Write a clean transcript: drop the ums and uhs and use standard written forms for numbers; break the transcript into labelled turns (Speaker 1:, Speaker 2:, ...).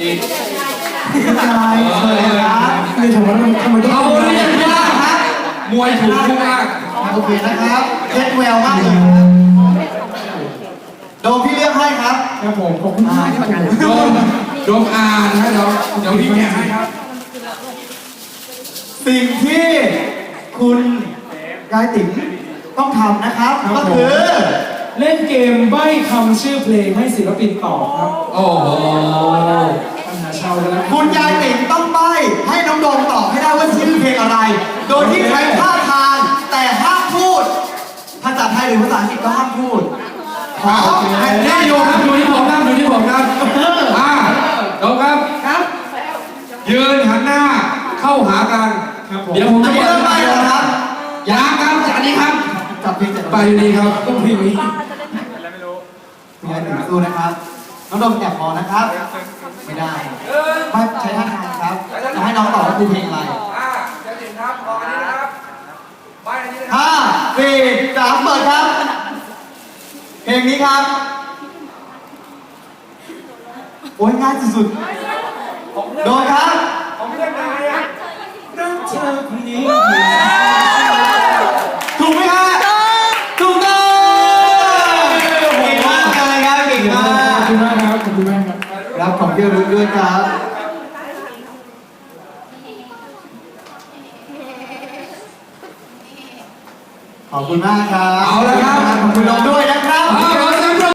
Speaker 1: ใช่เลยครับคือทำไมต้อง
Speaker 2: เอาเรียกว่าครับมวยถูกคู่มาก
Speaker 1: โอเคนะครับเช็ดแววมากเลยโดมพี่เลือกให้ครับครับผมขอบคุณมากที่มากัน
Speaker 2: โดมอ่านนะเดี๋ยวพี่แกะให้ครับ
Speaker 1: สิ่งที่คุณยายติ๋มต้องทำนะครับก็คือ
Speaker 3: เล่นเกมใบ้คำชื่อเพลงให้ศิลปินตอบครับ
Speaker 2: โอ้โห
Speaker 3: ปัญหาชาวแล้ว
Speaker 1: คุณยายติ๋มต้องใบ้ให้น้องโดมตอบให้ได้ว่าชื่อเพลงอะไร โดยที่ใช้ท่าทางแต่ห้ามพูดภาษาไทยหรือภาษาอังกฤษก็ห้ามพูด
Speaker 2: นี่อยู่ครับอยู่ที่ผมครับอยู่ที่ผมครับโดมครับยืนหันหน้าเข้าหากันเดี๋ยวผมจะ
Speaker 1: เริ่มไปแล้วครับ
Speaker 2: ยางครับจากนี้ครับ
Speaker 1: จับเพลงเสร็จ
Speaker 2: ไปดีครับต้องเพลงนี้
Speaker 1: คุณยายติ๋มสู้นะครับน้องโดมแอบมองนะครับไม่ได้ไม่ใช้ท่าทางครับจะให้น้องตอบว่าคือเพลงอะไร
Speaker 2: จะถึงครับออกอันนี้นะครับไปอันนี้นะ
Speaker 1: 5 4 3เปิดครับเพลงนี้ครับโอ้ยง่ายสุดๆโดนครับ
Speaker 2: ของเพื่อนนายอ่ะ
Speaker 3: รักเธอคนนี้
Speaker 1: ถูกไหมครับถูกต้องเก่งมากเลยครับเก่งมาก
Speaker 3: ขอบคุณมากครับขอบคุณมากครับ
Speaker 1: รับของที่ระลึกด้วยครับขอบคุณมากครับ
Speaker 2: เอาละครับ
Speaker 1: ขอบคุณน้องด้วยนะครับ